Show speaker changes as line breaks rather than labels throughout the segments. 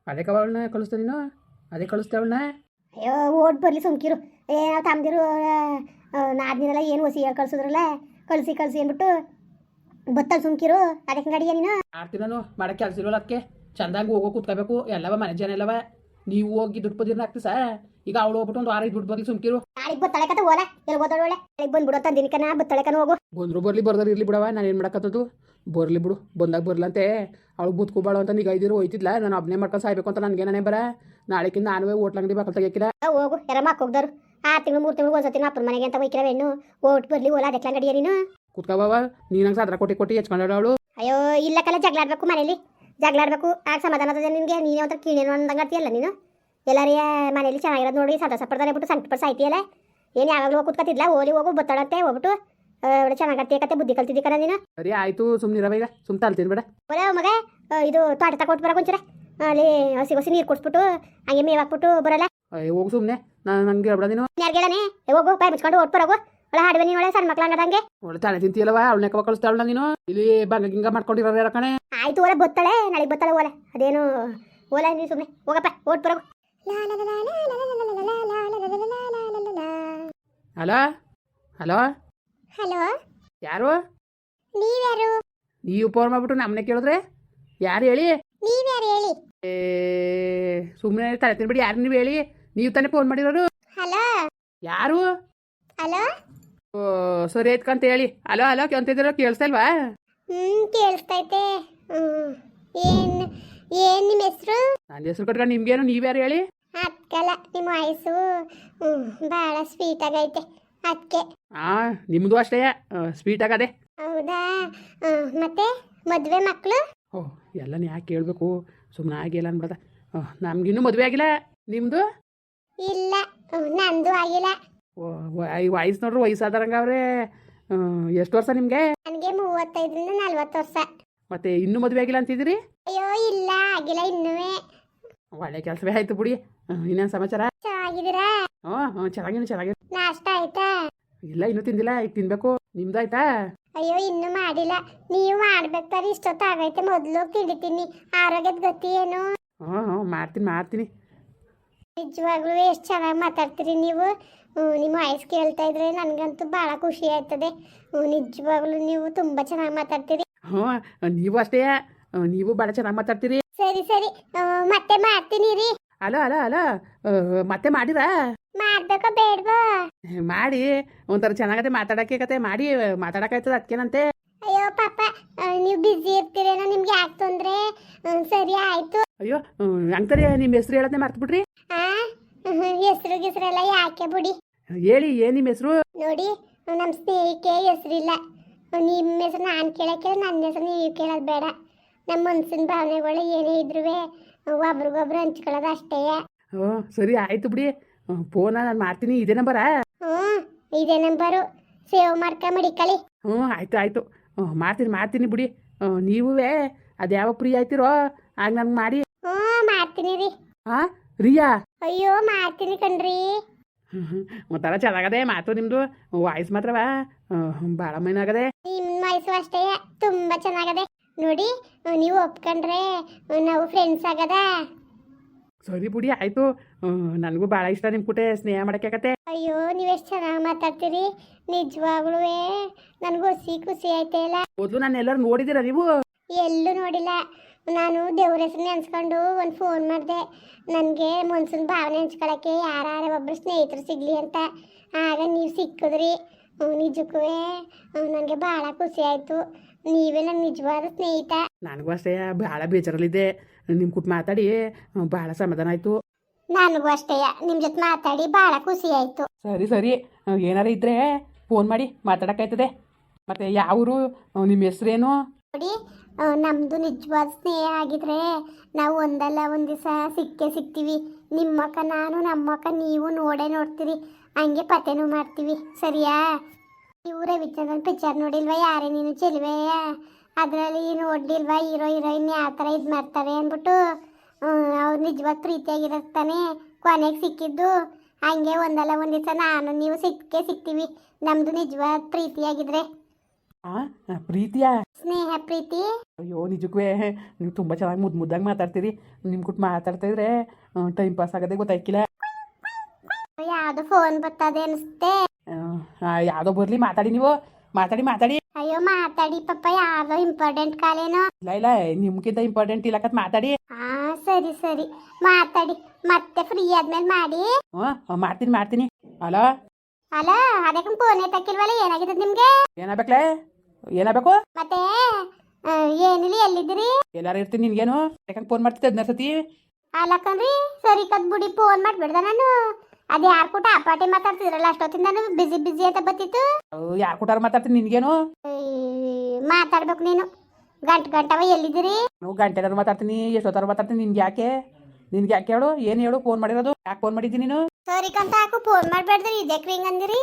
ಅದೇ ಅವಳನ್ನ ಕಳಿಸ್ತಾ ನೀನು ಅದೇ ಕಳಿಸ್ತಾ ಅವಳನ್ನ.
ಅಯ್ಯೋ ಓಟ್ ಬರಲಿ ಸುಮ್ಕಿರು. ನಾವು ತಮ್ಮದಿರು ನಾದ್ನಿರಲ್ಲ ಏನು ಹೊಸಿ ಕಳ್ಸಿದ್ರಲ್ಲ ಕಳಿಸಿ ಕಳಿಸಿ ಅಂದ್ಬಿಟ್ಟು ಬತ್ತಲ್ ಸುಮ್ಕಿರು. ಅದಕ್ಕೆ ಗಡಿಯ ನೀನು
ಆಡ್ತೀನಿ ನಾನು ಮಾಡಕ್ಕೆ ಕೆಲಸ ಇರೋಲ್ಲ. ಅದಕ್ಕೆ ಚಂದಾಗಿ ಹೋಗೋ ಕೂತ್ಕೋಬೇಕು. ಎಲ್ಲವ ಮನೆ ಜನ ಎಲ್ಲವ ನೀವು ಹೋಗಿ ದುಡ್ಡು ಬದಿರ್ನ ಆಗ್ತಿ ಸಾ. ಈಗ ಅವಳು ಹೋಗ್ಬಿಟ್ಟು ಒಂದು 6 ದುಡ್ಡು ಬರ್ಲಿ ಸುಮ್ಕಿರು.
ನಾಳೆಗೆ ಬತ್ತಳೆ ಕತೆ ಹೋಲ ಎಲ್ಲಿ ಓದೋಳು ಒಳ್ಳೆ ನಾಳೆಗೆ ಬಂದ್ಬಿಡು ತಂದಿನಿಕನ ಬತ್ತಳೆ ಕನ ಹೋಗು.
ಬಂದ್ರು ಬರ್ಲಿ ಬರ್ದಾರ ಇರ್ಲಿ ಬಿಡವ. ನಾನು ಏನು ಮಾಡಕತ್ತದು ಬರ್ಲಿ ಬಿಡು. ಬಂದಾಗ ಬರ್ಲಂತೆ ಅವಳು ಬುತ್ಕೋಬಾಳು ಅಂತ ನಿಗ ಇದ್ದಿರು ಹೋಯ್ತಿದ್ಲ. ನಾನು ಒಬ್ಬನೇ ಮಾಡ್ಕೊಂಡು ಸಾಯ್ಬೇಕು ಅಂತ ನನಗೆ ನಾನೇ ಬರ. ನಾಳೆಕಿಂತ ನಾನುವೇ ಹೋಟ್ಲ ಅಂಗಡಿ ಬಾಕಲ್ ತೆಗಿಕಿಲ್ಲ.
ಹೋಗು ಯಾರ ಮಾಕ್ ಹೋಗ್ದಾರು 6 ತಿಂಗಳು 3 ತಿಂಗಳು ಒಂದ್ಸತಿ ಅಪ್ಪನ ಮನೆಗೆ ಅಂತ ಹೋಯ್ಕಿರ ಹೆಣ್ಣು ಓಟ್ ಬರ್ಲಿ ಓಲ ಅದಕ್ಕೆ ಗಡಿಯ ನೀನು
ಕುತ್ಕೋಬವ. ನೀನಂಗೆ ಸಾದ್ರ ಕೊಟ್ಟಿ ಹೆಚ್ಕೊಂಡ ಅವಳು.
ಅಯ್ಯೋ ಇಲ್ಲ ಕಲ್ಲ ಜಗಳಾಡ್ಬೇಕು ಮನೇಲಿ ಜಗಳಾಡ್ಬೇಕು ಆಗ ಸಮಾಧಾನ ನಿನಗೆ. ನೀನು ಒಂಥರ ಕೀಳೇನು ಅಂದಂಗತಿಯಲ್ಲ ನೀನು. ಎಲ್ಲಾರಿಯ ಮನೇಲಿ ಚೆನ್ನಾಗಿರೋದು ನೋಡಿ ಸಂತೋಷ ಪಡ್ತಾರೆ ಬಿಟ್ಟು ಸಂಕಟ ಸಾಯ್ತಿಯಲ್ಲ. ಏನು ಯಾವಾಗಲೂ ಹೋಗಿ ಕೂತ್ಕೊತಿದ್ಲ ಓಲಿ ಹೋಗು ಬತ್ತಾಡತ್ತೆ ಹೋಗ್ಬಿಟ್ಟು ಚೆನ್ನಾಗತ್ತೆ ಕತೆ ಬುದ್ಧಿ ಕಲ್ತಿದ್ದಿ ಕಣ ನೀನು.
ಸರಿ ಆಯ್ತು ಸುಮ್ಮನಿರವ. ಈಗ ಸುಮ್ಮ ತಲ್ತೀನಿ ಬೇಡ
ಬರ ಮಗ. ಇದು ತೋಟ ತಕೊಟ್ಟು ಬರ ಕೊಂಚರ ಅಲ್ಲಿ ಹಸಿ ನೀರು ಕೊಡ್ಸ್ಬಿಟ್ಟು ಹಂಗೆ ಮೇವು ಹಾಕ್ಬಿಟ್ಟು ಬರಲ್ಲ.
ಹೋಗು ಸುಮ್ಮನೆ. ನಂಗೆ ಹೇಳ್ಬೇಡ ನೀನು.
ಯಾರು ಹೇಳನೆ ಹೋಗು ಬಾಯ್ ಮುಚ್ಕೊಂಡು ಓಟ್ ಬರೋಗು. ಒಳ ಹಾಡುವೆ ನೀನು ಒಳ್ಳೆ ಸಣ್ಣ ಮಕ್ಳು ಹಂಗದಂಗೆ
ಒಳ್ಳೆ ತಾಳೆ ತಿಂತೀಯಲ್ಲವ. ಅವಳನ್ನ ಕವ ಕಳಿಸ್ತಾವಳ ನೀನು. ಇಲ್ಲಿ ಬಂಗ ಗಿಂಗ ಮಾಡ್ಕೊಂಡಿರೋ ಯಾರ ಕಣೆ.
ಆಯ್ತು ಓಲೆ ಬತ್ತಾಳೆ ನಾಳೆಗೆ ಬತ್ತಾಳೆ ಓಲೆ ಅದೇನು ಓಲೆ ನೀನು ಸುಮ್ಮನೆ ಹೋಗಪ್ಪ ಓಟ್ ಬರೋಗು.
ಹಲೋ ಹಲೋ
ಹಲೋ
ಯಾರು?
ನೀವ್ಯಾರು?
ನೀವು ಫೋನ್ ಮಾಡ್ಬಿಟ್ಟು ನಮ್ಮನೆ ಕೇಳಿದ್ರೆ ಯಾರು ಹೇಳಿ?
ನೀವ್ಯಾರು ಹೇಳಿ?
ಸುಮ್ಮನೆ ತಲೆ ತಿನ್ಬಿಡಿ. ಯಾರು ನೀವು ಹೇಳಿ? ನೀವು ತಾನೇ ಫೋನ್ ಮಾಡಿರೋರು.
ಹಲೋ
ಯಾರು?
ಹಲೋ
ಓ ಸರಿ ಆಯ್ತಂತ ಹೇಳಿ. ಹಲೋ ಹಲೋ ಅಂತಿದ್ದೀರೋ ಕೇಳಿಸ್ತಾ ಇಲ್ವಾ?
ಕೇಳಿಸ್ತೈತೆ. ಏನ್ ನಿಮ್ಮ ಹೆಸರು?
ನನ್ನ ಹೆಸರು ಕಟ್ಕೊಂಡು ನಿಮ್ಗೇನು ನೀವ್ಯಾರು ಹೇಳಿ?
ಅಕ್ಕಲ್ಲ ನಿಮ್ಮ ವಯಸ್ಸು ಭಾಳ ಸ್ವೀಟ್ ಆಗೈತೆ ಅದಕ್ಕೆ.
ನಿಮ್ಮದು ಅಷ್ಟೇ ಸ್ವೀಟ್ ಆಗದೆ.
ಹೌದಾ? ಮತ್ತೆ ಮದುವೆ ಮಕ್ಕಳು?
ಓಹ್ ಎಲ್ಲನ ಯಾಕೆ ಕೇಳಬೇಕು? ಸುಮ್ಮನೆ ಆಗಿಲ್ಲ ಅನ್ಬಿಡ್ದ. ನಮ್ಗಿನ್ನೂ ಮದುವೆ ಆಗಿಲ್ಲ. ನಿಮ್ಮದು?
ಇಲ್ಲ ನಂದು ಆಗಿಲ್ಲ.
ಈ ವಯಸ್ಸು ನೋಡ್ರಿ ವಯಸ್ಸಾದಾರಂಗ ಅವ್ರೆ. ಎಷ್ಟು ವರ್ಷ ನಿಮಗೆ?
ನನಗೆ 35ರಿಂದ 40 ವರ್ಷ.
ಮತ್ತೆ ಇನ್ನೂ ಮದುವೆ ಆಗಿಲ್ಲ ಅಂತಿದ್ದೀರಿ?
ಅಯ್ಯೋ ಇಲ್ಲ ಆಗಿಲ್ಲ ಇನ್ನುವೇ.
ಒಳ್ಳೆ ಕೆಲಸವೇ ಆಯ್ತು ಬಿಡಿ. ಇನ್ನೇನು ಸಮಾಚಾರ?
ಚೆನ್ನಾಗಿದ್ದೀರಾ?
ಚೆನ್ನಾಗಿ.
ನಾಷ್ಟ ಆಯ್ತಾ?
ಇಲ್ಲ ಇನ್ನೂ ತಿಂದಿಲ್ಲ. ಈಗ ತಿನ್ಬೇಕು. ನಿಮ್ದು ಆಯ್ತಾ?
ಅಯ್ಯೋ ಇನ್ನೂ ಮಾಡಿಲ್ಲ. ನೀವು ಮಾಡ್ಬೇಕಾದ್ರೆ ಇಷ್ಟೊತ್ತು ಆಗೈತೆ. ಮೊದಲು ತಿಂಡಿತೀನಿ. ಆರೋಗ್ಯದ ಗತಿ ಏನು?
ಮಾಡ್ತೀನಿ.
ನಿಜವಾಗ್ಲೂ ಎಷ್ಟು ಚೆನ್ನಾಗಿ ಮಾತಾಡ್ತೀರಿ ನೀವು. ನಿಮ್ಮ ವಾಯ್ಸ್ ಕೇಳ್ತಾ ಇದ್ರೆ ನನಗಂತೂ ಭಾಳ ಖುಷಿ ಆಯ್ತದೆ. ನಿಜವಾಗ್ಲೂ ನೀವು ತುಂಬ ಚೆನ್ನಾಗಿ ಮಾತಾಡ್ತೀರಿ.
ನೀವು ಅಷ್ಟೇ. ನೀವು ಭಾಳ ಚೆನ್ನಾಗಿ ಮಾತಾಡ್ತೀರಿ.
ಸರಿ ಮತ್ತೆ ಮಾಡ್ತೀನಿ ರೀ.
ಅಲೋ ಮತ್ತೆ ಮಾಡಿರಾ?
ಮಾಡ್ಬೇಕೋ ಬೇಡವೋ?
ಮಾಡಿ ಒಂಥರ ಚೆನ್ನಾಗತ್ತೆ ಮಾತಾಡಕ್ಕೆ ಕತೆ ಮಾಡಿ ಮಾತಾಡಕ್ಕಾಯ್ತದ ಅದಕ್ಕೇನಂತೆ.
ಅಯ್ಯೋ ಪಾಪ ನೀವು ಬಿಸಿ ಇರ್ತೀರೇನೋ ನಿಮ್ಗೆ ಯಾಕೆ ತೊಂದರೆ? ಸರಿ ಆಯ್ತು.
ಅಯ್ಯೋ ಅಂತಾರೆ ನಿಮ್ಮ ಹೆಸರು ಹೇಳೋದನ್ನೇ ಮರ್ತ್ಬಿಟ್ರಿ.
ಹೆಸರೆಲ್ಲ ಯಾಕೆ ಬಿಡಿ.
ಹೇಳಿ ಏನು ನಿಮ್ಮ ಹೆಸರು?
ನೋಡಿ ನಮ್ಮ ಸ್ನೇಹಿಕೆ ಹೆಸರಿಲ್ಲ. ನಿಮ್ಮ ಹೆಸರು ನಾನು ಕೇಳಕ್ಕೆ ನನ್ನ ಹೆಸರು ನೀವು ಕೇಳೋದು ಬೇಡ. ನಮ್ಮ ಮನಸ್ಸಿನ ಭಾವನೆಗಳು ಏನೇ ಇದ್ರೂ ಒಬ್ರಿಗೊಬ್ರು ಹಂಚ್ಕೊಳ್ಳೋದು ಅಷ್ಟೇ.
ಸರಿ ಆಯ್ತು ಬಿಡಿ. ಫೋನ ನಾನು ಮಾಡ್ತೀನಿ. ಇದೇ ನಂಬರಾ?
ಇದೇ ನಂಬರು. ಸೇವ್ ಮಾಡ್ಕ ಮಡಿಕಳಿ.
ಆಯ್ತು ಮಾಡ್ತೀನಿ ಬಿಡಿ. ನೀವೂ ಅದು ಯಾವ ಫ್ರೀ ಆಯ್ತಿರೋ ಆಗ ನನ್ಗೆ ಮಾಡಿ.
ಮಾಡ್ತೀನಿ ರೀ.
ರಿಯಾ?
ಅಯ್ಯೋ ಮಾಡ್ತೀನಿ ಕಣ್ರಿ.
ಒಂಥರ ಚೆನ್ನಾಗದೆ ಮಾತು ನಿಮ್ಮದು. ವಾಯ್ಸ್ ಮಾತ್ರವಾ ಭಾಳ ಮೈನಾಗದೆ.
ನಿಮ್ಮ ವಾಯ್ಸು ಅಷ್ಟೇ ತುಂಬ ಚೆನ್ನಾಗದೆ. ನೋಡಿ ನೀವು ಒಪ್ಕೊಂಡ್ರೆ ನಾವು ಫ್ರೆಂಡ್ಸ್ ಆಗದ.
ಸರಿ ಬಿಡಿ ಆಯಿತು. ನನಗೂ ಭಾಳ ಇಷ್ಟ ನಿಮ್ಮ ಕೂಟೆ ಸ್ನೇಹ ಮಾಡೋಕ್ಕೆ.
ಅಯ್ಯೋ ನೀವೆಷ್ಟು ಚೆನ್ನಾಗಿ ಮಾತಾಡ್ತೀರಿ. ನಿಜವಾಗ್ಲೂ ನನಗೂ ಖುಷಿ ಆಯ್ತಾ ಇಲ್ಲ.
ಮೊದಲು ನಾನು ಎಲ್ಲರೂ ನೋಡಿದ್ದೀರಾ ನೀವು?
ಎಲ್ಲೂ ನೋಡಿಲ್ಲ. ನಾನು ದೇವ್ರ ಹೆಸರು ನೆನ್ಸ್ಕೊಂಡು ಒಂದು ಫೋನ್ ಮಾಡಿದೆ. ನನಗೆ ಮನ್ಸಿನ ಭಾವನೆ ಹಂಚ್ಕೊಳ್ಳೋಕ್ಕೆ ಯಾರು ಒಬ್ಬರು ಸ್ನೇಹಿತರು ಸಿಗಲಿ ಅಂತ. ಆಗ ನೀವು ಸಿಕ್ಕಿದ್ರಿ. ನಿಜಕ್ಕೂ ನನಗೆ ಭಾಳ ಖುಷಿ ಆಯಿತು. ನೀವೇ ನನ್ನ ನಿಜವಾದ ಸ್ನೇಹಿತ.
ನನಗೂ ಅಷ್ಟೇ ಭಾಳ ಬೇಜಾರಲ್ಲಿದ್ದೆ. ನಿಮ್ಮ ಕೂಟ ಮಾತಾಡಿ ಭಾಳ ಸಮಾಧಾನ ಆಯಿತು.
ನನಗೂ ಅಷ್ಟೇ ನಿಮ್ಮ ಜೊತೆ ಮಾತಾಡಿ ಭಾಳ ಖುಷಿ ಆಯಿತು.
ಸರಿ ಏನಾರ ಇದ್ದರೆ ಫೋನ್ ಮಾಡಿ ಮಾತಾಡೋಕ್ಕಾಯ್ತದೆ. ಮತ್ತು ಯಾವರು ನಿಮ್ಮ ಹೆಸ್ರೇನು?
ನೋಡಿ ನಮ್ಮದು ನಿಜವಾದ ಸ್ನೇಹ ಆಗಿದ್ರೆ ನಾವು ಒಂದಲ್ಲ ಒಂದು ದಿವಸ ಸಿಗ್ತೀವಿ. ನಿಮ್ಮಕ್ಕ ನಾನು ನಮ್ಮಕ್ಕ ನೀವು ನೋಡ್ತೀರಿ. ಹಂಗೆ ಪತೆನೂ ಮಾಡ್ತೀವಿ. ಸರಿಯಾ? ನೀವು ರವಿಚಂದ್ರನ್ ಪಿಕ್ಚರ್ ನೋಡಿಲ್ವಾ ಯಾರೇ ನೀನು ಚೆಲುವೆ? ಅದರಲ್ಲಿ ನೋಡಿಲ್ವಾ ಹೀರೋ ಹೀರೋಯಿನ್ ಯಾವ ಥರ ಇದು ಮಾಡ್ತಾರೆ ಅಂದ್ಬಿಟ್ಟು ಅವ್ರು ನಿಜವಾದ ಪ್ರೀತಿಯಾಗಿರ್ತಾನೆ ಕೊನೆಗೆ ಸಿಕ್ಕಿದ್ದು. ಹಂಗೆ ಒಂದಲ್ಲ ಒಂದು ದಿವಸ ನಾನು ನೀವು ಸಿಗ್ತೀವಿ. ನಮ್ಮದು ನಿಜವಾದ ಪ್ರೀತಿಯಾಗಿದ್ರೆ.
ಪ್ರೀತಿಯಾ?
ಸ್ನೇಹ ಪ್ರೀತಿ.
ಅಯ್ಯೋ ನಿಜಕ್ಕೂ ನೀವು ತುಂಬ ಚೆನ್ನಾಗಿ ಮುದ್ದಾಗಿ ಮಾತಾಡ್ತೀರಿ. ನಿಮ್ಮ ಕೂಟ್ ಮಾತಾಡ್ತಾ ಇದ್ರೆ ಟೈಮ್ ಪಾಸ್ ಆಗೋದೇ ಗೊತ್ತಾಯ್ಕಿಲ್ಲ.
ಯಾವ್ದು ಫೋನ್ ಬರ್ತದೆ ಅನಿಸುತ್ತೆ.
ಯಾವುದೋ ಬರಲಿ, ಮಾತಾಡಿ ನೀವು, ಮಾತಾಡಿ.
ಅಯ್ಯೋ ಮಾತಾಡಿ ಪಾಪ, ಯಾವ್ದೋ ಇಂಪಾರ್ಟೆಂಟ್ ಕಾಲೇನೋ.
ಇಲ್ಲ ನಿಮ್ಗಿಂತ ಇಂಪಾರ್ಟೆಂಟ್ ಇಲ್ಲಕತ್ ಮಾತಾಡಿ.
ಹಾ ಸರಿ ಮಾತಾಡಿ, ಮತ್ತೆ ಫ್ರೀ ಆದ್ಮೇಲೆ ಮಾಡಿ.
ಮಾಡ್ತೀನಿ. ಅಲೋ
ಅಲ್ಲ ಅದಕ್ಕೆ ಫೋನ್ ಎತ್ತಕ್ಕಿಲ್ವಲ್ಲ, ಏನಾಗಿದೆ ನಿಮ್ಗೆ?
ಏನಾಗಬೇಕು?
ಮತ್ತೆ ಏನಿಲ್ಲ, ಎಲ್ಲಿದ್ದೀರಿ?
ಎಲ್ಲಾರು ಇರ್ತೀನಿ, ನಿನ್ಗೇನು ಯಾಕಂಗೆ ಫೋನ್ ಮಾಡ್ತಿದ್ದೆ 15 ಸತಿ?
ಅಲ್ಲಕ್ಕಂದ್ರಿ ಸರಿ ಕತ್ ಬಿಡಿ, ಫೋನ್ ಮಾಡ್ಬಿಡ್ದ ನಾನು. ಅದು ಯಾರು ಕೂಟ ಅಪಾಟಿ ಮಾತಾಡ್ತಿದ್ರಲ್ಲ ಅಷ್ಟೊತ್ತಿಂದ ನಾನು ಬಿಸಿ ಅಂತ ಬತ್ತಿತ್ತು.
ಯಾರು ಕೂಟಾರು ಮಾತಾಡ್ತೀನಿ, ನಿನ್ಗೇನು?
ಮಾತಾಡ್ಬೇಕು ನೀನು. ಗಂಟವ ಎಲ್ಲಿದ್ದೀರಿ?
ನಾವು ಗಂಟೆನಾರು ಮಾತಾಡ್ತೀನಿ, ಎಷ್ಟೊತ್ತಾರು ಮಾತಾಡ್ತೀನಿ. ನಿನ್ಗೆ ಯಾಕೆ ಹೇಳು, ಏನು ಹೇಳು? ಫೋನ್ ಮಾಡಿರೋದು ಯಾಕೆ ಫೋನ್ ಮಾಡಿದ್ದೀನಿ ನೀನು?
ಸರಿ ಕಂತ ಹಾಕು, ಫೋನ್ ಮಾಡ್ಬೇಡ್ದ್ರಿ. ಇದಕ್ಕೆ ಹಿಂಗೆ ಅಂದಿರಿ?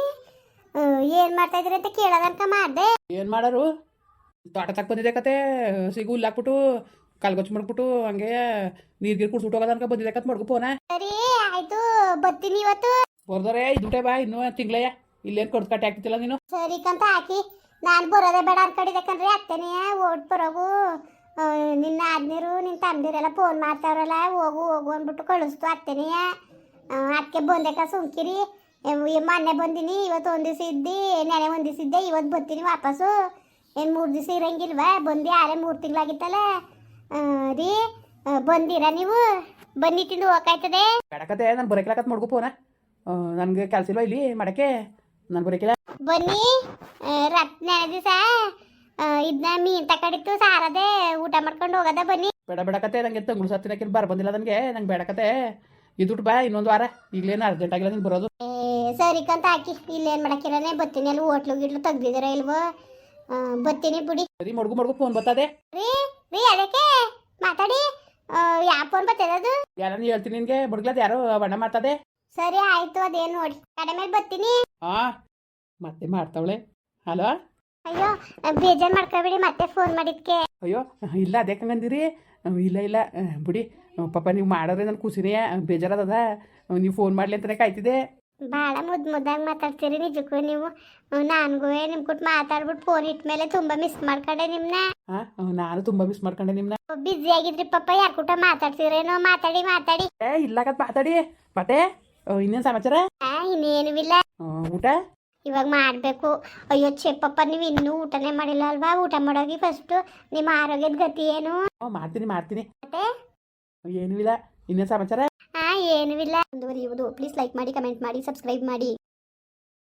ಏನು ಮಾಡ್ತಾ ಇದ್ರಿ ಅಂತ ಕೇಳೋದನ್ಕ ಮಾಡಿದೆ.
ಏನು ಮಾಡೋರು? ತೋಟ ತಕ್ಕ ಬಂದಿದೆ ಕತೆ, ಸಿಗು ಹುಲ್ಲಾಕ್ಬಿಟ್ಟು ಕಲ್ಗೊಚ್ಚು ಮಾಡ್ಬಿಟ್ಟು ಹಂಗೆ ನೀರ್ಗೀರು ಕುಡ್ಸ್ಬಿಟ್ಟು ಹೋಗೋದನ್ಕ ಬಂದಿದೆ ಕತ್ ಮಾಡ್ಕೊ ಫೋನ.
ಸರಿ ಆಯ್ತು, ಬರ್ತೀನಿ ಇವತ್ತು.
ಬರ್ದರೆ ಇದುಟೆ ಬಾ, ಇನ್ನೂ ತಿಂಗ್ಳಯ್ಯ. ಇಲ್ಲೇನು ಕೊಡ್ದು ಕಟ್ಟಿ ಆಗ್ತಿಲ್ಲ ನೀನು.
ಸರಿ ಕಂತ ಹಾಕಿ, ನಾನು ಬರೋದೇ ಬೇಡ ಅನ್ಕಡಿದೆ ಕಣ್ರಿ. ಅತ್ತನೇ ಓಟ್ ಬರೋಗು. ನಿನ್ನ ಆದ್ನೀರು ನಿನ್ನ ತಮ್ಮದಿರೆಲ್ಲ ಫೋನ್ ಮಾಡ್ತಾವ್ರಲ್ಲ, ಹೋಗು ಅಂದ್ಬಿಟ್ಟು ಕಳಿಸ್ತು ಅತ್ತನೇ. ಅದಕ್ಕೆ ಬಂದೇಕ ಸುಮ್ಕಿರಿ. ಮೊನ್ನೆ ಬಂದಿನಿ, ಇವತ್ತು ಒಂದು ದಿವಸ ಇದ್ದಿ, ನೆನೆ ಒಂದು ದಿವಸ ಇದ್ದೆ, ಇವತ್ತು ಬರ್ತೀನಿ ವಾಪಸ್ಸು. ಏನು 3 ದಿವಸ ಇರಂಗಿಲ್ವಾ? ಬಂದು ಆರೇ 3 ತಿಂಗಳಾಗಿತ್ತಲ್ಲ ರೀ. ಬಂದಿರಾ ನೀವು? ಬನ್ನಿ ತಿಂದು ಹೋಗಾಯ್ತದೆ.
ಬೇಡಕತೆ, ನಾನು ಬರೋಕಿಲ್ಲಕತ್ ಮಾಡ್ಕೊ ಫೋನ. ನನಗೆ ಕೆಲಸ ಇಲ್ವಾ ಇಲ್ಲಿ ಮಾಡಕ್ಕೆ? ನಾನು ಬರೋಕಿಲ್ಲ.
ಬನ್ನಿ ನೆನೆ ದಿವಸ ಇದನ್ನ ಮೀನು ತಕಡಿತ್ತು ಸಾರದೆ, ಊಟ ಮಾಡ್ಕೊಂಡು ಹೋಗದ. ಬನ್ನಿ.
ಬೇಡಕತೆ, ನನಗೆ ತಂಗುಳು ಸತ್ತಿನಕ್ಕೆ ಬಂದಿಲ್ಲ. ನಂಗೆ ಬೇಡಕತೆ. ಇದುಟ್ಟು ಬಾ, ಇನ್ನೊಂದು ವಾರ. ಈಗಲೇನು ಅರ್ಜೆಂಟ್ ಆಗಿಲ್ಲ ನೀನು ಬರೋದು.
ಸರಿ ಕಂತ ಹಾಕಿ, ಇಲ್ಲೇನು ಮಾಡಕ್ಕಿರನೆ ಬರ್ತೀನಿ. ಅಲ್ಲಿ ಹೋಟ್ಲು ಗಿಟ್ಲು ತೆಗ್ದಿದ್ದೀರ ಇಲ್ವೋ? ಬರ್ತೀನಿ ಬಿಡಿ.
ಸರಿ ಮಡ್ಗು ಫೋನ್ ಬರ್ತದೆ
ರೀ ಅದಕ್ಕೆ ಮಾತಾಡಿ. ಯಾವ ಫೋನ್ ಬರ್ತದೆ ಅದು?
ಯಾರನ್ನ ಹೇಳ್ತೀನಿ ನಿನಗೆ, ಬಡ್ಗ್ಲದ ಯಾರೋ ಬಣ್ಣ ಮಾಡ್ತದೆ.
ಸರಿ ಆಯ್ತು, ಅದೇನು ನೋಡಿ ಕಡೆ ಮೇಲೆ ಬರ್ತೀನಿ.
ಮತ್ತೆ ಮಾಡ್ತಾವಳೆ. ಹಲೋ.
ಅಯ್ಯೋ ಬೇಜಾರು ಮಾಡ್ಕೊಬೇಡಿ, ಮತ್ತೆ ಫೋನ್ ಮಾಡಿದ್ಕೆ.
ಅಯ್ಯೋ ಇಲ್ಲ, ಅದೇ ಹಂಗಂದಿರಿ. ಇಲ್ಲ ಬಿಡಿ ಪಾಪ, ನೀವು ಮಾಡೋದ್ರೆ ನನ್ನ ಖುಷಿನೇ. ಬೇಜಾರದ ನೀವು ಫೋನ್ ಮಾಡಲಿ ಅಂತಲೇ ಕಾಯ್ತಿದ್ದೆ.
ಭಾಳ ಮುದ್ದಾಗಿ ಮಾತಾಡ್ತೀರಿ ನಿಜಕ್ಕೂ ನೀವು. ನನಗೂ ನಿಮ್ಮ ಕೂಟ್ ಮಾತಾಡ್ಬಿಟ್ಟು ಫೋನ್ ಇಟ್ಟ ಮೇಲೆ ತುಂಬ ಮಿಸ್ ಮಾಡ್ಕೊಂಡೆ ನಿಮ್ಮನ್ನ.
ನಾನು ತುಂಬ ಮಿಸ್ ಮಾಡ್ಕೊಂಡೆ ನಿಮ್ಮನ್ನ.
ಬ್ಯುಸಿ ಆಗಿದ್ರಿ ಪಾಪ, ಯಾರ ಕೂಟ ಮಾತಾಡ್ತೀರೇನೋ. ಮಾತಾಡಿ
ಇಲ್ಲಕತ್ ಮಾತಾಡಿ. ಮತ್ತೆ ಇನ್ನೇನು ಸಮಾಚಾರ?
ಇನ್ನೇನು ಇಲ್ಲ.
ಊಟ
ಇವಾಗ ಮಾಡಬೇಕು. ಅಯ್ಯೋ ಪಪ್ಪ, ನೀವು ಇನ್ನೂ ಊಟನೇ ಮಾಡಿಲ್ಲ ಅಲ್ವಾ? ಊಟ ಮಾಡೋಗಿ ಫಸ್ಟು. ನಿಮ್ಮ ಆರೋಗ್ಯದ ಗತಿ ಏನು?
ಮಾಡ್ತೀನಿ.
ಮತ್ತೆ
ಏನೂ ಇಲ್ಲ. ಇನ್ನೇನು ಸಮಾಚಾರ?
ಏನೂ ಇಲ್ಲ. ಮುಂದುವರಿಯುವುದು. ಪ್ಲೀಸ್ ಲೈಕ್ ಮಾಡಿ, ಕಮೆಂಟ್ ಮಾಡಿ, ಸಬ್ಸ್ಕ್ರೈಬ್ ಮಾಡಿ.